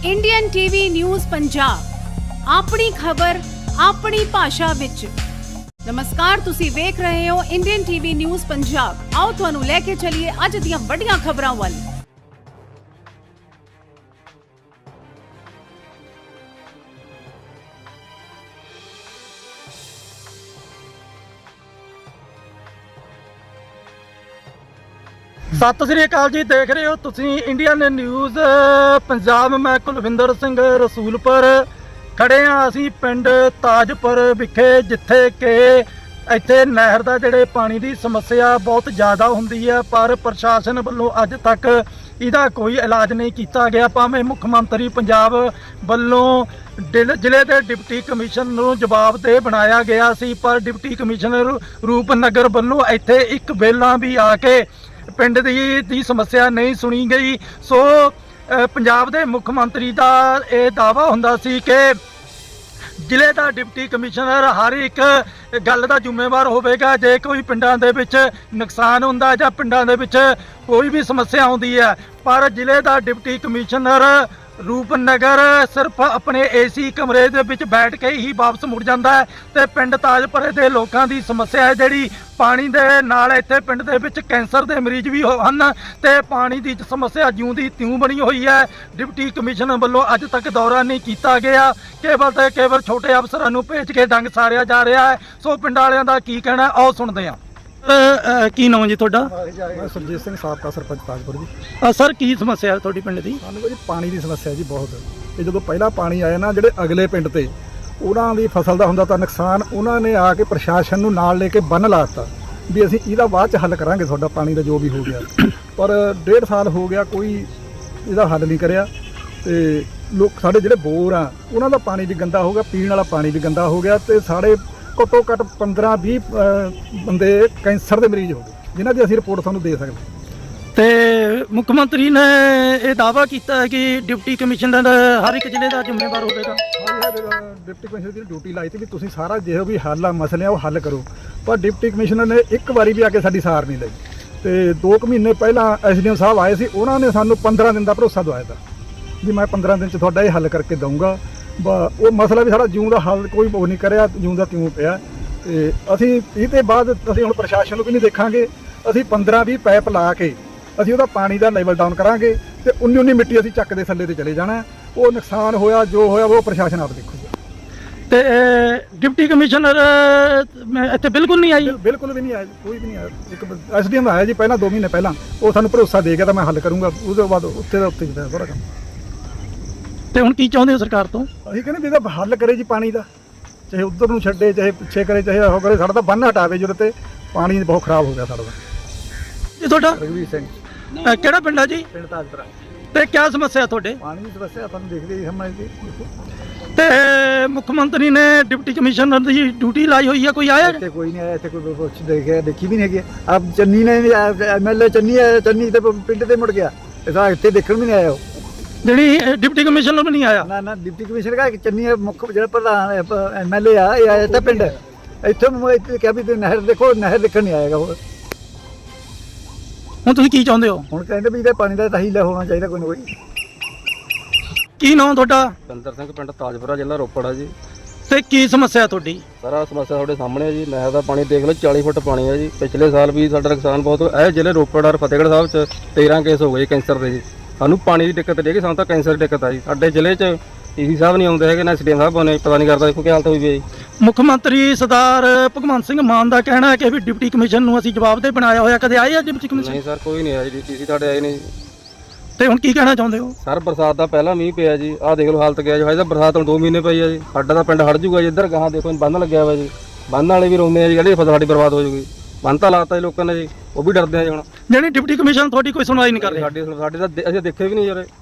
Indian TV news Punjab ਆਪਣੀ ਖਬਰ ਆਪਣੀ ਭਾਸ਼ਾ ਵਿੱਚ। ਨਮਸਕਾਰ, ਤੁਸੀਂ ਵੇਖ ਰਹੇ ਹੋ ਇੰਡੀਅਨ ਟੀਵੀ ਨਿਊਜ਼ ਪੰਜਾਬ। ਆਓ ਤੁਹਾਨੂੰ ਲੈ ਕੇ ਚੱਲੀਏ ਅੱਜ ਦੀਆਂ ਵੱਡੀਆਂ ਖਬਰਾਂ ਵੱਲ। सत श्री अकाल जी, देख रहे हो तुसी इंडियन न्यूज़ पंजाब। मैं कुलविंदर सिंह रसूलपुर खड़े हाँ असी पिंड ताजपुर विखे, जिथे कि इत्थे नहर दा जिहड़े पानी की समस्या बहुत ज़्यादा हुंदी है, पर प्रशासन वालों अज तक इहदा कोई इलाज नहीं किया गया। भावें मुख मंत्री पंजाब वालों जिले के डिप्टी कमिश्नर नूं जवाबदेह बनाया गया सी, पर डिप्टी कमिश्नर रूपनगर वालों इत्थे एक वेला भी आके पिंड दी समस्या नहीं सुनी गई। सो पंजाब दे मुख मंत्री दा ये दावा हुंदा सी कि जिले का डिप्टी कमिश्नर हर एक गल का जिम्मेवार होवेगा। जे कोई पिंडां दे विच नुकसान हुंदा जां पिंडां दे विच कोई भी समस्या आउंदी है, पर जिले का डिप्टी कमिश्नर रूपनगर सिर्फ अपने एसी कमरे दे विच बैठ के ही वापस मुड़ जाता है। तो पिंड ताजपुरे के लोगों की समस्या है जिहड़ी पानी दे नाल इत्थे पिंड दे विच कैंसर के मरीज भी हन, ते पानी की समस्या ज्यों दी त्यों बनी हुई है। डिप्टी कमिश्नर वालों अज तक दौरा नहीं किया गया, केवल छोटे अफसरां नूं भेज के डंग सारिया जा रहा है। सो पिंड वालियां दा की कहना है, आओ सुनते हैं। की नाम जी तुहाडा? मैं सुरजीत सिंह, साबका सरपंच ताजपुर जी। सर की समस्या है तुहाडी पिंड दी? सानूं जी पानी की समस्या जी बहुत। ये जो पहला पानी आया ना, ਜਿਹੜੇ अगले पिंड ते ਉਹਨਾਂ ਦੀ ਫਸਲ ਦਾ ਹੁੰਦਾ ਤਾਂ ਨੁਕਸਾਨ, ਉਹਨਾਂ ਨੇ ਆ ਕੇ ਪ੍ਰਸ਼ਾਸਨ ਨੂੰ ਨਾਲ ਲੈ ਕੇ ਬੰਨ ਲਾਤਾ ਵੀ ਅਸੀਂ ਇਹਦਾ ਬਾਅਦ ਚ ਹੱਲ ਕਰਾਂਗੇ, ਤੁਹਾਡਾ ਪਾਣੀ ਦਾ ਜੋ ਵੀ ਹੋ ਗਿਆ। ਪਰ 1.5 ਸਾਲ ਹੋ ਗਿਆ, ਕੋਈ ਇਹਦਾ ਹੱਲ ਨਹੀਂ ਕਰਿਆ। ਤੇ ਲੋਕ ਸਾਡੇ ਜਿਹੜੇ ਬੋਰ ਆ ਉਹਨਾਂ ਦਾ ਪਾਣੀ ਵੀ ਗੰਦਾ ਹੋ ਗਿਆ, ਪੀਣ ਵਾਲਾ ਪਾਣੀ ਵੀ ਗੰਦਾ ਹੋ ਗਿਆ, ਤੇ ਸਾਡੇ ਘੱਟੋ ਘੱਟ 15-20 ਬੰਦੇ ਕੈਂਸਰ ਦੇ ਮਰੀਜ਼ ਹੋ ਗਏ, ਜਿਨ੍ਹਾਂ ਦੀ ਅਸੀਂ ਰਿਪੋਰਟ ਤੁਹਾਨੂੰ ਦੇ ਸਕਦੇ। ਤੇ ਮੁੱਖ ਮੰਤਰੀ ਨੇ ਇਹ ਦਾਅਵਾ ਕੀਤਾ ਹੈ ਕਿ ਡਿਪਟੀ ਕਮਿਸ਼ਨਰ ਹਰ ਇੱਕ ਜ਼ਿਲ੍ਹੇ ਦਾ ਜ਼ਿੰਮੇਵਾਰ ਹੋਵੇਗਾ। ਡਿਪਟੀ ਕਮਿਸ਼ਨਰ ਦੀ ਡਿਊਟੀ ਲਾਈ ਸੀ ਵੀ ਤੁਸੀਂ ਸਾਰਾ ਜਿਹੋ ਵੀ ਹੱਲ ਆ ਮਸਲੇ ਆ ਉਹ ਹੱਲ ਕਰੋ, ਪਰ ਡਿਪਟੀ ਕਮਿਸ਼ਨਰ ਨੇ ਇੱਕ ਵਾਰੀ ਵੀ ਆ ਕੇ ਸਾਡੀ ਸਾਰ ਨਹੀਂ ਲਈ। ਤੇ 2 ਮਹੀਨੇ ਪਹਿਲਾਂ ਐਸਡੀਐਮ ਸਾਹਿਬ ਆਏ ਸੀ, ਉਹਨਾਂ ਨੇ ਸਾਨੂੰ 15 ਦਿਨ ਦਾ ਭਰੋਸਾ ਦਵਾਇਆ ਤਾ ਵੀ ਮੈਂ 15 ਦਿਨ 'ਚ ਤੁਹਾਡਾ ਇਹ ਹੱਲ ਕਰਕੇ ਦਊਂਗਾ। ਉਹ ਮਸਲਾ ਵੀ ਸਾਡਾ ਜਿਉਂ ਦਾ ਹੱਲ ਕੋਈ ਉਹ ਨਹੀਂ ਕਰਿਆ, ਜਿਉਂ ਦਾ ਤਿਉਂ ਪਿਆ। ਤੇ ਅਸੀਂ ਇਹ ਤੋਂ ਬਾਅਦ ਅਸੀਂ ਹੁਣ ਪ੍ਰਸ਼ਾਸਨ ਨੂੰ ਵੀ ਨਹੀਂ ਦੇਖਾਂਗੇ, ਅਸੀਂ 15-20 ਪੈਪ ਲਾ ਕੇ ਅਸੀਂ ਉਹਦਾ ਪਾਣੀ ਦਾ ਲੈਵਲ ਡਾਊਨ ਕਰਾਂਗੇ, ਤੇ 19 ਮਿੱਟੀ ਅਸੀਂ ਚੱਕ ਦੇ ਥੱਲੇ ਤੇ ਚਲੇ ਜਾਣਾ। ਉਹ ਨੁਕਸਾਨ ਹੋਇਆ ਜੋ ਹੋਇਆ ਉਹ ਪ੍ਰਸ਼ਾਸਨ ਆਪ ਦੇਖੂਗਾ। ਤੇ ਡਿਪਟੀ ਕਮਿਸ਼ਨਰ ਇੱਥੇ ਬਿਲਕੁਲ ਨਹੀਂ ਆਈ? ਬਿਲਕੁਲ ਵੀ ਨਹੀਂ ਆਇਆ, ਕੋਈ ਵੀ ਨਹੀਂ ਆਇਆ। ਇੱਕ ਐਸਡੀਐਮ ਆਇਆ ਜੀ ਪਹਿਲਾਂ 2 ਮਹੀਨੇ ਪਹਿਲਾਂ, ਉਹ ਸਾਨੂੰ ਭਰੋਸਾ ਦੇ ਗਿਆ ਤਾਂ ਮੈਂ ਹੱਲ ਕਰੂੰਗਾ। ਉਸ ਤੋਂ ਬਾਅਦ ਉੱਤੇ ਦਾ ਉੱਤੇ ਜਿਹੜਾ ਸਾਰਾ ਕੰਮ। ਤੇ ਹੁਣ ਕੀ ਚਾਹੁੰਦੇ ਹੋ ਸਰਕਾਰ ਤੋਂ? ਅਸੀਂ ਕਹਿੰਦੇ ਵੀ ਇਹਦਾ ਹੱਲ ਕਰੇ ਜੀ ਪਾਣੀ ਦਾ, ਚਾਹੇ ਉੱਧਰ ਨੂੰ ਛੱਡੇ, ਚਾਹੇ ਪਿੱਛੇ ਕਰੇ, ਚਾਹੇ ਉਹ ਕਰੇ, ਸਾਡਾ ਤਾਂ ਬੰਨ ਹਟਾਵੇ ਜਿਹਦੇ ਤੇ ਪਾਣੀ ਬਹੁਤ ਖਰਾਬ ਹੋ ਗਿਆ ਸਾਡਾ। ਜੀ ਤੁਹਾਡਾ? ਰਘਵੀਰ ਸਿੰਘ। ਕਿਹੜਾ ਪਿੰਡ ਆ ਜੀ? ਪਿੰਡ ਤਾਜਪੁਰਾ। ਤੇ ਕੀ ਸਮੱਸਿਆ ਤੁਹਾਡੇ? ਪਾਣੀ ਦੀ ਸਮੱਸਿਆ ਤੁਹਾਨੂੰ ਦੇਖਦੇ ਹੀ ਸਮਝਦੇ। ਤੇ ਮੁੱਖ ਮੰਤਰੀ ਨੇ ਡਿਪਟੀ ਕਮਿਸ਼ਨਰ ਦੀ ਡਿਊਟੀ ਲਾਈ ਹੋਈ ਹੈ, ਕੋਈ ਆਇਆ? ਇੱਥੇ ਕੋਈ ਨਹੀਂ ਆਇਆ, ਇੱਥੇ ਕੋਈ ਕੁਛ ਦੇਖੀ ਵੀ ਨਹੀਂ ਹੈਗੀ। ਆਪ ਚੰਨੀ ਨੇ ਐਮਐਲਏ ਚੰਨੀ ਤੇ ਪਿੰਡ ਤੇ ਮੁੜ ਗਿਆ, ਇਹਦਾ ਇੱਥੇ ਦੇਖਣ ਵੀ ਨਹੀਂ ਆਇਆ। ਉਹ ਜਿਹੜੀ ਡਿਪਟੀ ਕਮਿਸ਼ਨਰ ਵੀ ਨਹੀਂ ਆਇਆ? ਨਾ ਡਿਪਟੀ ਕਮਿਸ਼ਨਰ ਕਾ ਚੰਨੀ ਮੁੱਖ ਜਿਹੜਾ ਪ੍ਰਧਾਨ ਐਮਐਲਏ ਆ, ਇਹ ਆਇਆ ਤਾਂ ਪਿੰਡ ਇੱਥੇ ਕਿਹਾ ਵੀ ਨਹਿਰ ਦੇਖੋ, ਨਹਿਰ ਦੇਖਣ ਨਹੀਂ ਆਏਗਾ। ਉਹ ਹੁਣ ਤੁਸੀਂ ਕੀ ਚਾਹੁੰਦੇ ਹੋ? ਹੁਣ ਕਹਿੰਦੇ ਵੀ ਇਹਦੇ ਪਾਣੀ ਦਾ ਤਾਂ ਹੀਲਾ ਹੋਣਾ ਚਾਹੀਦਾ ਕੋਈ ਨਾ ਕੋਈ। ਕੀ ਨਾਮ ਤੁਹਾਡਾ? ਬਿੰਦਰ ਸਿੰਘ, ਪਿੰਡ ਤਾਜਪੁਰਾ, ਜ਼ਿਲ੍ਹਾ ਰੋਪੜ ਆ ਜੀ। ਤੇ ਕੀ ਸਮੱਸਿਆ ਤੁਹਾਡੀ? ਸਾਰਾ ਸਮੱਸਿਆ ਤੁਹਾਡੇ ਸਾਹਮਣੇ ਹੈ ਜੀ। ਨਹਿਰ ਦਾ ਪਾਣੀ ਦੇਖ ਲਓ, 40 ਫੁੱਟ ਪਾਣੀ ਹੈ ਜੀ। ਪਿਛਲੇ ਸਾਲ ਵੀ ਸਾਡਾ ਨੁਕਸਾਨ ਬਹੁਤ ਹੋਇਆ। ਇਹ ਜ਼ਿਲ੍ਹੇ ਰੋਪੜ ਔਰ ਫਤਿਹਗੜ੍ਹ ਸਾਹਿਬ 'ਚ 13 ਕੇਸ ਹੋ ਗਏ ਕੈਂਸਰ ਦੇ ਜੀ। ਸਾਨੂੰ ਪਾਣੀ ਦੀ ਦਿੱਕਤ ਨਹੀਂ ਹੈਗੀ, ਸਾਨੂੰ ਤਾਂ ਕੈਂਸਰ ਦੀ ਦਿੱਕਤ ਆ ਜੀ। ਸਾਡੇ ਜ਼ਿਲ੍ਹੇ 'ਚ ਡੀਸੀ ਸਾਹਿਬ ਨਹੀਂ ਆਉਂਦੇ ਹੈਗੇ, ਨਾ ਐਸਡੀਐਮ ਸਾਹਿਬ ਆਉਂਦੇ, ਪਤਾ ਨਹੀਂ ਕਰਦਾ ਦੇਖੋ ਕੀ ਹਾਲਤ ਹੋਈ ਵੀ ਹੈ ਜੀ। ਮੁੱਖ ਮੰਤਰੀ ਸਰਦਾਰ ਭਗਵੰਤ ਸਿੰਘ ਮਾਨ ਦਾ ਕਹਿਣਾ ਹੈ ਕਿ ਵੀ ਡਿਪਟੀ ਕਮਿਸ਼ਨ ਨੂੰ ਅਸੀਂ ਜਵਾਬਦੇਹ ਬਣਾਇਆ ਹੋਇਆ। ਕਦੇ ਆਏ ਆ ਡਿਪਟੀ ਕਮਿਸ਼ਨ? ਨਹੀਂ ਸਰ, ਕੋਈ ਨਹੀਂ ਆਇਆ ਜੀ, ਡੀਸੀ ਤੁਹਾਡੇ ਆਏ ਨਹੀਂ। ਤੇ ਹੁਣ ਕੀ ਕਹਿਣਾ ਚਾਹੁੰਦੇ ਹੋ? ਸਰ ਬਰਸਾਤ ਦਾ ਪਹਿਲਾਂ ਮੀਂਹ ਪਿਆ ਜੀ, ਆਹ ਦੇਖ ਲਓ ਹਾਲਤ ਗਿਆ ਜੀ। ਹਜੇ ਤਾਂ ਬਰਸਾਤ ਹੁਣ 2 ਮਹੀਨੇ ਪਈ ਆ ਜੀ। ਸਾਡਾ ਤਾਂ ਪਿੰਡ ਹੜ ਜੂਗਾ ਜੀ। ਇੱਧਰ ਗਾਹਾਂ ਦੇਖੋ ਬੰਨ ਲੱਗਿਆ ਹੋਇਆ ਜੀ, ਬੰਨ ਵਾਲੇ ਵੀ ਰੋਂਦੇ ਆ ਜੀ, ਜਿਹੜੀ ਫਸਲ ਸਾਡੀ ਬਰਬਾਦ ਹੋ ਜੂਗੀ। ਬੰਨ ਤਾਂ ਲਾਤਾ ਜੀ ਲੋਕਾਂ ਨੇ ਜੀ, ਉਹ ਵੀ ਡਰਦੇ ਆ ਜੀ। ਹੁਣ ਜਿਹੜੀ ਡਿਪਟੀ ਕਮਿਸ਼ਨ ਤੁਹਾਡੀ ਕੋਈ ਸੁਣਵਾਈ ਨਹੀਂ ਕਰ ਰਹੀ? ਸਾਡੇ ਤਾਂ ਅਸੀਂ ਦੇਖੇ ਵੀ ਨਹੀਂ ਯਾਰ।